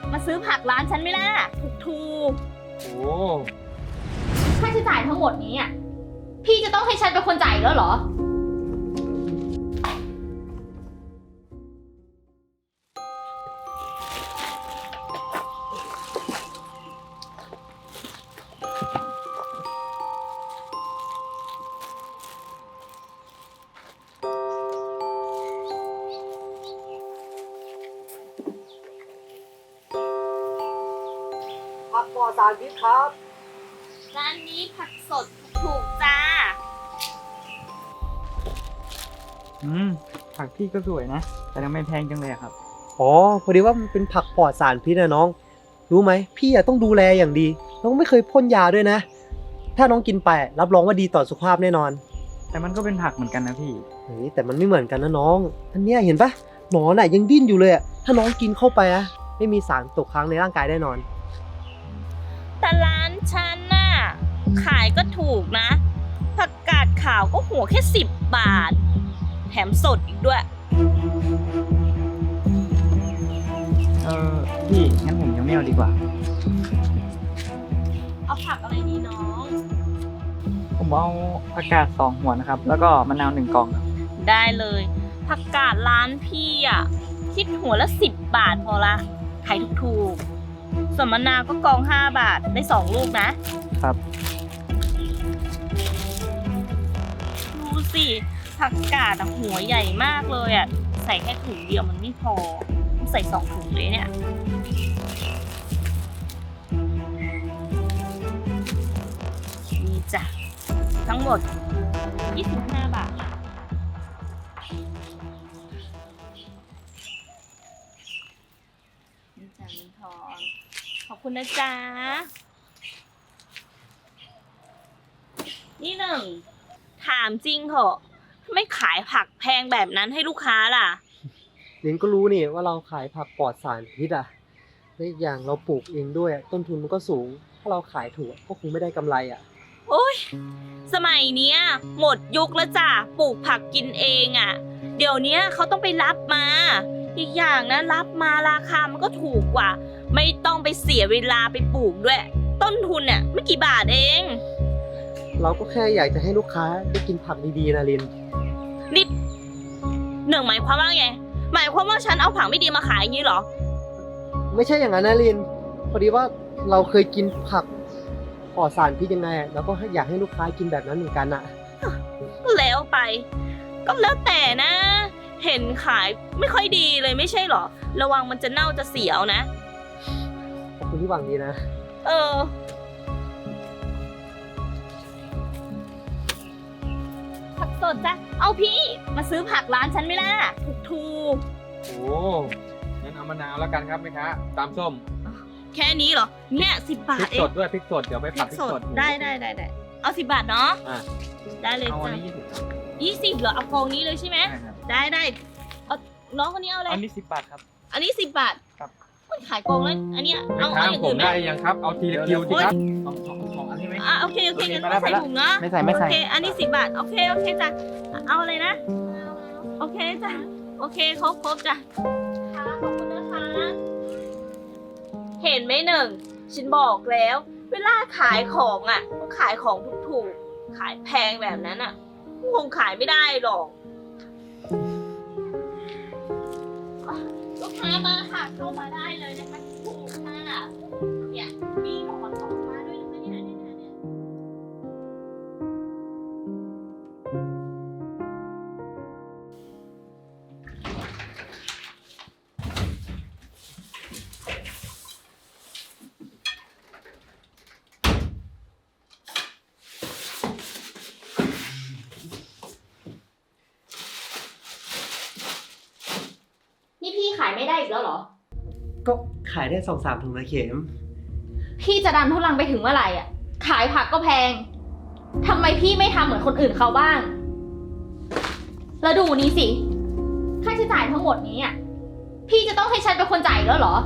มาซื้อผักร้านฉันไหมล่ะถูกโอ้ค่าใช้จ่ายทั้งหมดนี้อ่ะพี่จะต้องให้ฉันเป็นคนจ่ายแล้วเหรอผักปลอดสารพิษครับร้านนี้ผักสดถูกจ้าผักพี่ก็สวยนะ แต่ทำไมแพงจังเลยอะครับอ๋อพอดีว่ามันเป็นผักปลอดสารพิษนะน้อง รู้ไหมพี่อะต้องดูแลอย่างดีน้องไม่เคยพ่นยาด้วยนะ ถ้าน้องกินไปรับรองว่าดีต่อสุขภาพแน่นอนแต่มันก็เป็นผักเหมือนกันนะพี่เฮ้ยแต่มันไม่เหมือนกันนะน้องอันเนี้ยเห็นปะหนอนอะยังดิ้นอยู่เลยอะถ้าน้องกินเข้าไปอะไม่มีสารตกค้างในร่างกายแน่นอนแต่ร้านฉันน่ะขายก็ถูกนะผักกาดขาวก็หัวแค่10 บาท แถมสดอีกด้วยพี่งั้นผมยังไม่เอาดีกว่าเอาผักอะไรดีน้องผมเอาผักกาด2 หัวนะครับ แล้วก็มะนาว1 กล่องครับได้เลยผักกาดร้านพี่อ่ะคิดหัวละ10 บาทพอละขายถูกๆส่วนมะนาวก็กอง5 บาทได้2 ลูกนะครับ ดูสิผักกาดอะหัวใหญ่มากเลยอ่ะใส่แค่ถุงเดียวมันไม่พอต้องใส่2 ถุงเลยเนี่ยนี่จ้ะทั้งหมด25 บาทนี่จ้ะมินทอนขอบคุณนะจ๊ะนี่หนึ่งถามจริงเหรอไม่ขายผักแพงแบบนั้นให้ลูกค้าล่ะเรนก็รู้นี่ว่าเราขายผักปลอดสารพิษอะและอีกอย่างเราปลูกเองด้วยอะต้นทุนมันก็สูง ถ้าเราขายถูกก็คงไม่ได้กำไรอะโอ้ยสมัยเนี้ยหมดยุคแล้วจ้ะปลูกผักกินเองอ่ะ เดี๋ยวนี้เขาต้องไปรับมา อีกอย่างนะรับมาราคามันก็ถูกกว่า ไม่ต้องไปเสียเวลาไปปลูกด้วย ต้นทุนเนี่ยไม่กี่บาทเองเราก็แค่อยากจะให้ลูกค้าได้กินผักดีๆนะลินนี่หนึ่งหมายความว่าไงหมายความว่าฉันเอาผักไม่ดีมาขายอย่างนี้เหรอไม่ใช่อย่างนั้นนะลิน พอดีว่าเราเคยกินผักปลอดสารพิษยังไงเราก็อยากให้ลูกค้ากินแบบนั้นเหมือนกันอะแล้วไป ก็แล้วแต่นะ เห็นขายไม่ค่อยดีเลยไม่ใช่เหรอ ระวังมันจะเน่าจะเสียวนะขอบคุณที่หวังดีนะเออผักสดจ้ะเอาพี่มาซื้อผักร้านฉันไหมล่ะถูกโอ้งั้นเอามะนาวแล้วกันครับแม่ค้าตามส้มๆแค่นี้เหรอเนี่ย10 บาพริทกเอสงดด้วยพริกสดเดี๋ยวไปพริผัดกพริสกสดดได้เอา10 บาทเนาะอ่ะได้เลยเอาอันจ้ะนี้20ครับ 20เหรอเอากองนี้เลยใช่ไหมใช่ครับได้เอาน้องคนนี้เอาอะไรอันนี้10 บาทครับอันนี้10 บาทครับมันขายกองแล้วอันเนี้ยแม่เอาค้าอย่างผอื่มนไหมได้ยังครับเอาทีละคิวสิครับสองอันนี้ไหมโอเคงั้นก็ใส่ถุงเนาะไม่ใส่โอเคอันนี้10 บาทโอเคจ้ะเอาอะไรนะโอเคจ้ะโอเคครบจ้ะค่ะขอบคุณนะคะเห็นไหมหนึ่งฉันบอกแล้ว เวลาขายของอ่ะต้องขายของถูกๆขายแพงแบบนั้นอ่ะคงขายไม่ได้หรอกลูกค้ามาค่ะเข้ามาได้เลยนะคะถูกค่ะเนี่ยมีหมอนออกมาด้วยนะคะเนี่ยนี่พี่ขายไม่ได้อีกแล้วเหรอก็ขายได้2-3 ถุงนะเข็มพี่จะดันทุลังไปถึงเมื่อไหร่อ่ะ ขายผักก็แพง ทำไมพี่ไม่ทำเหมือนคนอื่นเขาบ้าง แล้วดูนี้สิ ค่าใช้จ่ายทั้งหมดนี้อ่ะ พี่จะต้องให้ฉันเป็นคนจ่ายแล้วเหรอ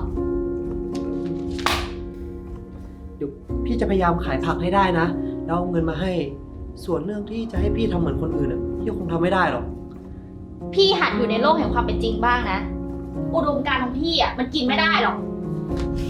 เดี๋ยวพี่จะพยายามขายผักให้ได้นะ แล้วเอาเงินมาให้ ส่วนเรื่องที่จะให้พี่ทำเหมือนคนอื่นอะพี่คงทำไม่ได้หรอกพี่หัดอยู่ในโลกแห่งความเป็นจริงบ้างนะ อุดมการณ์ของพี่อ่ะมันกินไม่ได้หรอก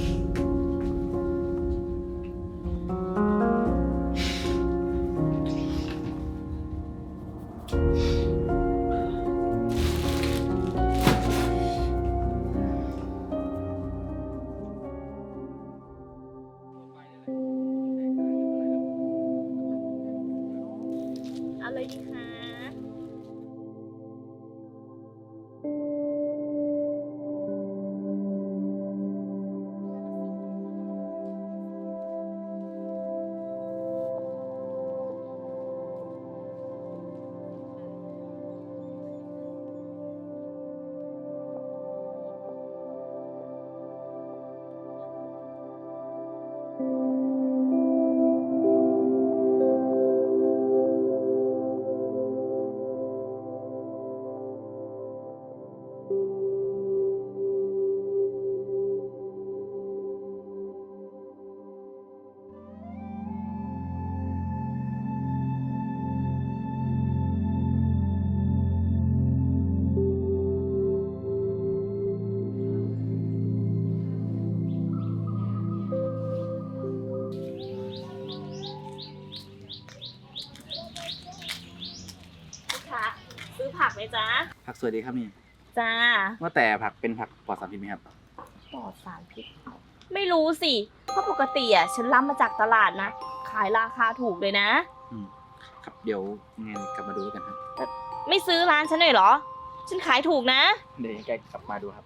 จ๊ะผักสวยดีครับนี่จ้าว่าแต่ผักเป็นผักปลอดสารพิษไหมครับปลอดสารพิษไม่รู้สิ เพราะปกติอ่ะฉันรับมาจากตลาดนะ ขายราคาถูกเลยนะครับเดี๋ยวยังไงกลับมาดูแล้วกันครับไม่ซื้อร้านฉันหน่อยเหรอ ฉันขายถูกนะเดี๋ยวยังไงกลับมาดูครับ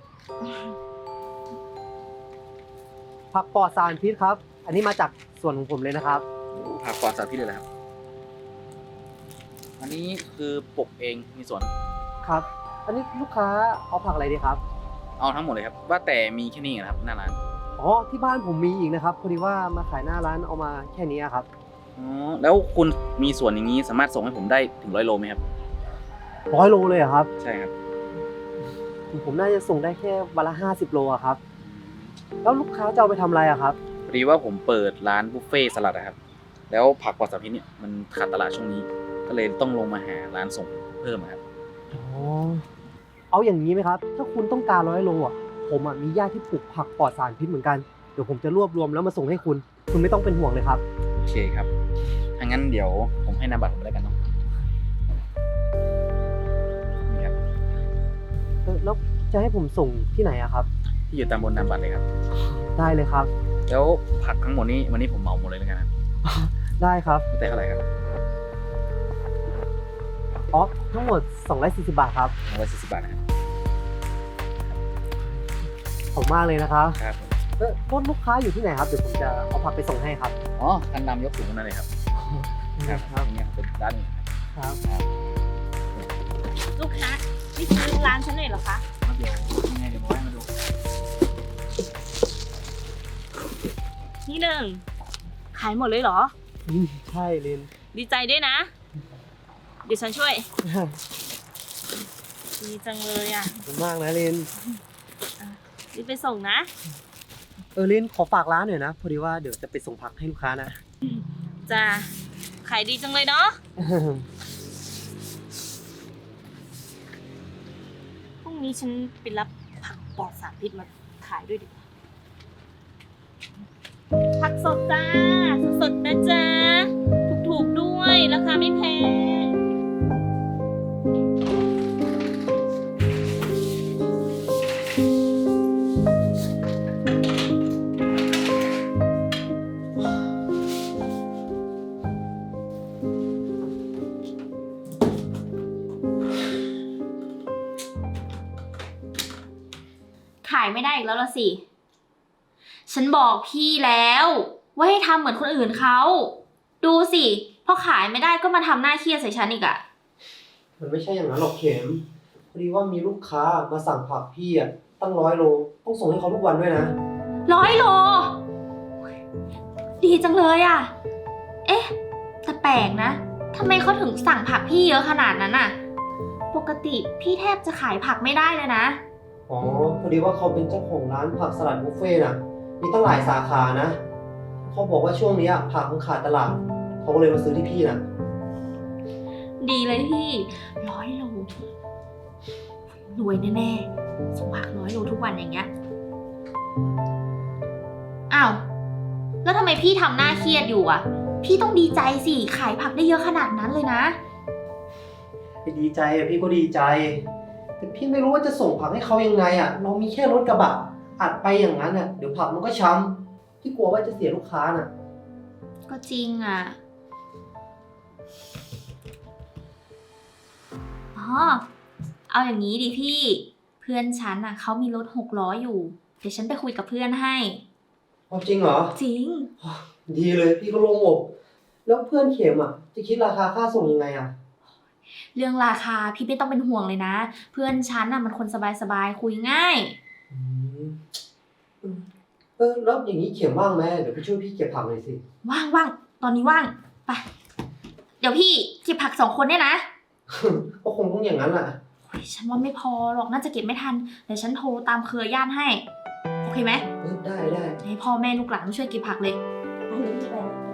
ผักปลอดสารพิษครับ อันนี้มาจากสวนของผมเลยนะครับผักปลอดสารพิษเลยเหรอครับ อันนี้คือปลูกเองมีสวนครับ อันนี้ลูกค้าเอาผักอะไรดีครับเอาทั้งหมดเลยครับ ว่าแต่มีแค่นี้เหรอครับหน้าร้านอ๋อ ที่บ้านผมมีอีกนะครับ พอดีว่ามาขายหน้าร้านเอามาแค่นี้ครับอ๋อ แล้วคุณมีสวนอย่างนี้สามารถส่งให้ผมได้ถึง100 โลไหมครับ 100 โลเลยเหรอครับใช่ครับผมน่าจะส่งได้แค่วันละ50 โลอะครับ แล้วลูกค้าจะเอาไปทำอะไรอะครับพอดีว่าผมเปิดร้านบุฟเฟ่ต์สลัดนะครับ แล้วผักปลอดสารพิษเนี่ยมันขาดตลาดช่วงนี้ ก็เลยต้องลงมาหาร้านส่งเพิ่มอะครับอ๋อ เอาอย่างนี้ไหมครับ ถ้าคุณต้องการ100 โลอ่ะ ผมมีญาติที่ปลูกผักปลอดสารพิษเหมือนกัน เดี๋ยวผมจะรวบรวมแล้วมาส่งให้คุณ คุณไม่ต้องเป็นห่วงเลยครับโอเคครับถ้างั้นเดี๋ยวผมให้นามบัตรผมไปแล้วกันเนาะ นี่ครับแล้วจะให้ผมส่งที่ไหนอะครับที่อยู่ตามบนนามบัตรเลยครับได้เลยครับแล้วผักทั้งหมดนี้วันนี้ผมเหมาหมดเลยแล้วกันนะได้ครับแต่เท่าไหร่ครับอ๋อ ทั้งหมด240 บาทครับ 140 บาทนะครับขอบคุณมากเลยนะครับครับผมรถลูกค้าอยู่ที่ไหนครับ เดี๋ยวผมจะเอาผักไปส่งให้ครับอ๋อคันดำยกสูงนั่นเลยครับครับอย่างเงี้ยเป็นด้านหนึงครับลูกค้าไม่ซื้อร้านฉันหน่อยเหรอคะเดี๋ยวยังไงเดี๋ยวผมให้มาดูนี่หนึ่ง ขายหมดเลยเหรอใช่ลินดีใจด้วยนะ เดี๋ยวฉันช่วย ดีจังเลยอ่ะขอบคุณมากนะลินรีบไปส่งนะลินขอฝากร้านหน่อยนะ พอดีว่าเดี๋ยวจะไปส่งผักให้ลูกค้านะจ้า ขายดีจังเลยเนาะ พรุ่งนี้ฉันไปรับผักปลอดสารพิษมาขายด้วยดีกว่าผักสดจ้า สดๆนะจ๊ะ ถูกๆด้วย ราคาไม่แพงขายไม่ได้อีกแล้วละสิ ฉันบอกพี่แล้วว่าให้ทำเหมือนคนอื่นเขา ดูสิพอขายไม่ได้ก็มาทำหน้าเครียดใส่ฉันอีกอะมันไม่ใช่อย่างนั้นหรอกเข็ม พอดีว่ามีลูกค้ามาสั่งผักพี่ตั้ง100 โล ต้องส่งให้เขาทุกวันด้วยนะ 100 โล ดีจังเลยอะเอ๊ะแต่แปลกนะทำไมเขาถึงสั่งผักพี่เยอะขนาดนั้นอะปกติพี่แทบจะขายผักไม่ได้เลยนะอ๋อ พอดีว่าเขาเป็นเจ้าของร้านผักสลัดบุฟเฟ่ต์นะมีตั้งหลายสาขานะ เขาบอกว่าช่วงนี้ผักมันขาดตลาด เขาก็เลยมาซื้อที่พี่นะดีเลยพี่100 โลรวยแน่ๆส่งผัก100 โลทุกวันอย่างเงี้ยอ้าวแล้วทำไมพี่ทำหน้าเครียดอยู่อ่ะ พี่ต้องดีใจสิขายผักได้เยอะขนาดนั้นเลยนะไปดีใจพี่ก็ดีใจ แต่พี่ไม่รู้ว่าจะส่งผักให้เขายังไงเรามีแค่รถกระบะอัดไปอย่างนั้นเดี๋ยวผักมันก็ช้ำพี่กลัวว่าจะเสียลูกค้าน่ะก็จริงอ่ะอ๋อเอาอย่างนี้ดิพี่ เพื่อนฉันอ่ะเขามีรถ6 ล้ออยู่เดี๋ยวฉันไปคุยกับเพื่อนให้จริงเหรอจริงดีเลยพี่ก็โล่งอกแล้วเพื่อนเข็มจะคิดราคาค่าส่งยังไงเรื่องราคาพี่ไม่ต้องเป็นห่วงเลยนะ เพื่อนฉันน่ะมันคนสบายๆคุยง่ายแล้วอย่างนี้เข็มว่างไหมเดี๋ยวพี่ช่วยพี่เก็บผักหน่อยสิว่างตอนนี้ว่างไปเดี๋ยวพี่เก็บผัก2 คนเนี่ยนะก็คงต้องอย่างนั้นแหละโอ้ยฉันว่าไม่พอหรอกน่าจะเก็บไม่ทันเดี๋ยวฉันโทรตามเครือญาติให้โอเคไหมได้ให้พ่อแม่ลูกหลานมาช่วยเก็บผักเลยไปเลยพี่ไป